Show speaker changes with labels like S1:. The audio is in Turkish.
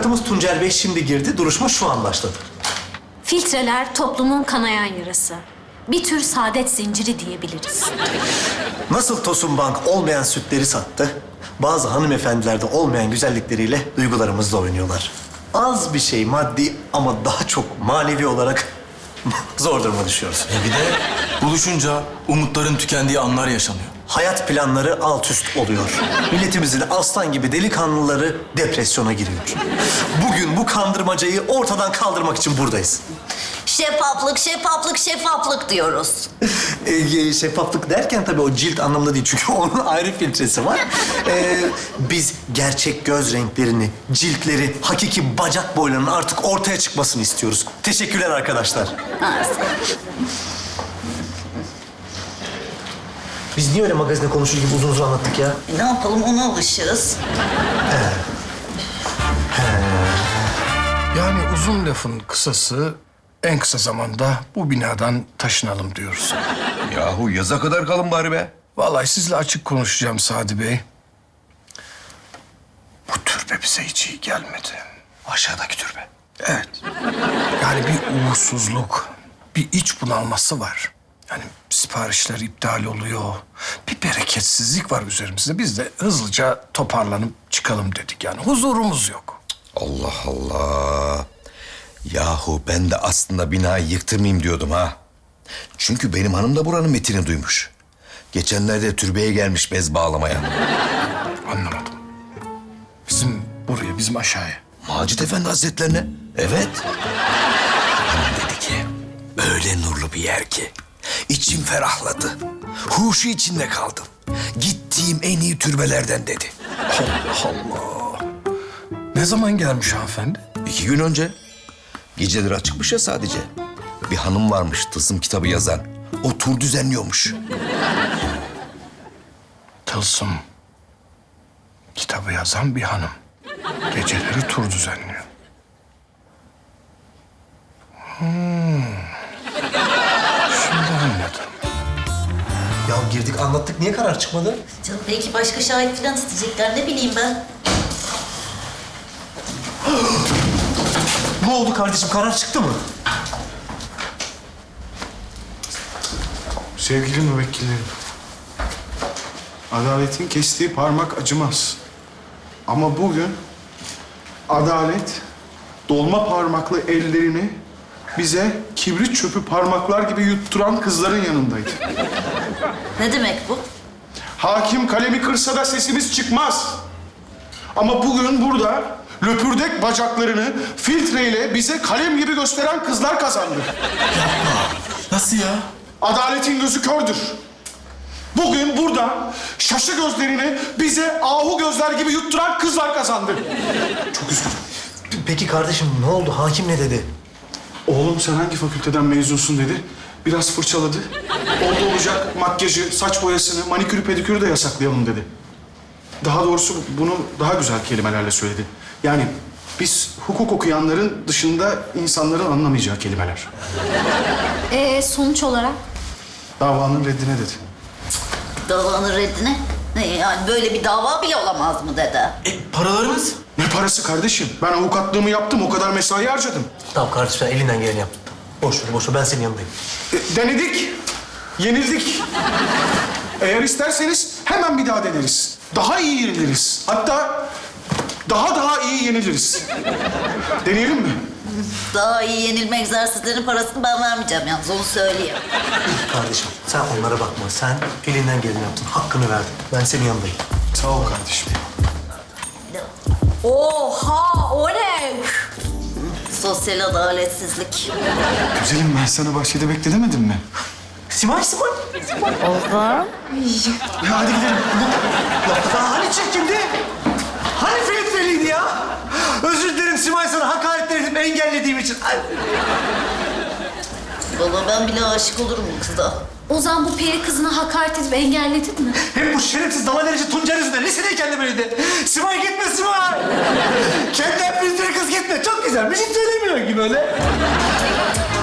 S1: Avukatımız Tuncer Bey şimdi girdi. Duruşma şu an başladı.
S2: Filtreler toplumun kanayan yarası. Bir tür saadet zinciri diyebiliriz.
S1: Nasıl Tosun Bank olmayan sütleri sattı, bazı hanımefendilerde olmayan güzellikleriyle duygularımızla oynuyorlar. Az bir şey maddi ama daha çok manevi olarak zor duruma düşüyoruz.
S3: Bir de buluşunca umutların tükendiği anlar yaşanıyor.
S1: Hayat planları alt üst oluyor. Milletimizin aslan gibi delikanlıları depresyona giriyor. Bugün bu kandırmacayı ortadan kaldırmak için buradayız.
S4: Şeffaflık, şeffaflık, şeffaflık diyoruz.
S1: Şeffaflık derken tabii o cilt anlamında değil. Çünkü onun ayrı filtresi var. Biz gerçek göz renklerini, ciltleri, hakiki bacak boylarının artık ortaya çıkmasını istiyoruz. Teşekkürler arkadaşlar. Biz niye öyle magazinde konuşur gibi uzun uzun anlattık ya?
S4: Ne yapalım, ona alışığız.
S5: Yani uzun lafın kısası en kısa zamanda bu binadan taşınalım diyoruz.
S6: Yahu yaza kadar kalın bari be.
S5: Vallahi sizle açık konuşacağım Sadi Bey. Bu türbe bize hiç iyi gelmedi.
S6: Aşağıdaki türbe.
S5: Evet. Yani bir uğursuzluk, bir iç bunalması var. Yani siparişler iptal oluyor. Bir bereketsizlik var üzerimizde. Biz de hızlıca toparlanıp çıkalım dedik yani. Huzurumuz yok.
S6: Allah Allah. Yahu ben de aslında binayı yıktırmayayım diyordum ha. Çünkü benim hanım da buranın metini duymuş. Geçenlerde türbeye gelmiş bez bağlamaya.
S5: Anlamadım. Bizim buraya, bizim aşağıya.
S6: Macit Efendi Hazretlerine. Evet. Hanım dedi ki, öyle nurlu bir yer ki. İçim ferahladı. Huşu içinde kaldım. Gittiğim en iyi türbelerden dedi.
S5: Allah Allah. Ne zaman gelmiş hanımefendi?
S6: 2 gün önce. Geceleri açıkmış ya sadece. Bir hanım varmış tılsım kitabı yazan. O tur düzenliyormuş.
S5: Tılsım kitabı yazan bir hanım. Geceleri tur düzenliyor. Şimdi anladım.
S1: Ya girdik anlattık. Niye karar çıkmadı?
S4: Canım belki başka şahit falan isteyecekler, ne bileyim ben.
S1: Ne oldu kardeşim? Karar çıktı mı?
S7: Sevgili müvekkillerim, adaletin kestiği parmak acımaz. Ama bugün adalet dolma parmaklı ellerini bize kibrit çöpü parmaklar gibi yutturan kızların yanındaydı.
S4: Ne demek bu?
S7: Hakim kalemi kırsa da sesimiz çıkmaz. Ama bugün burada löpürdek bacaklarını filtreyle bize kalem gibi gösteren kızlar kazandı.
S3: Nasıl ya?
S7: Adaletin gözü kördür. Bugün burada şaşı gözlerini bize ahu gözler gibi yutturan kızlar kazandı. Çok üzgünüm.
S1: Peki kardeşim ne oldu? Hakim ne dedi?
S7: Oğlum sen hangi fakülteden mezunsun dedi. Biraz fırçaladı. Oldu olacak makyajı, saç boyasını, manikürü pedikürü de yasaklayalım dedi. Daha doğrusu bunu daha güzel kelimelerle söyledi. Yani biz hukuk okuyanların dışında insanların anlamayacağı kelimeler.
S2: Sonuç olarak?
S7: Davanın reddine dedi.
S4: Davanın reddine? Ne yani, böyle bir dava bile olamaz mı dede?
S3: Paralarımız?
S7: Ne parası kardeşim? Ben avukatlığımı yaptım, o kadar mesai harcadım.
S1: Tamam kardeşim sen elinden geleni yaptın. Boş ver, boş ver. Ben senin yanındayım.
S7: Denedik, yenildik. Eğer isterseniz hemen bir daha deneriz. Daha iyi yeniliriz. Hatta daha iyi yeniliriz. Deneyelim mi?
S4: Daha iyi yenilme egzersizlerinin parasını ben vermeyeceğim yalnız, onu söyleyeyim.
S1: Kardeşim sen onlara bakma. Sen elinden geleni yaptın. Hakkını verdin. Ben senin yanındayım.
S7: Sağ ol kardeşim.
S2: Oha, o ne?
S4: Sosyal adaletsizlik.
S7: Güzelim ben sana bahçede bekle demedim mi?
S1: Simay.
S7: Ya hadi gidelim.
S1: Ya hani çirkindi? Hani filtreliydi ya? Özür dilerim Simay, sana hakaretlerim engellediğim için. Ay.
S4: Vallahi ben bile aşık olurum bu kıza.
S2: Ozan, bu peri kızına hakaret edip engelledin mi?
S1: Hem bu şerefsiz dalaverici Tuncer yüzünden lisedeyken de böyleydi. Simay gitme Simay. Kendinden filtre kız gitme. Çok güzel. Bir şey söylemiyor gibi öyle.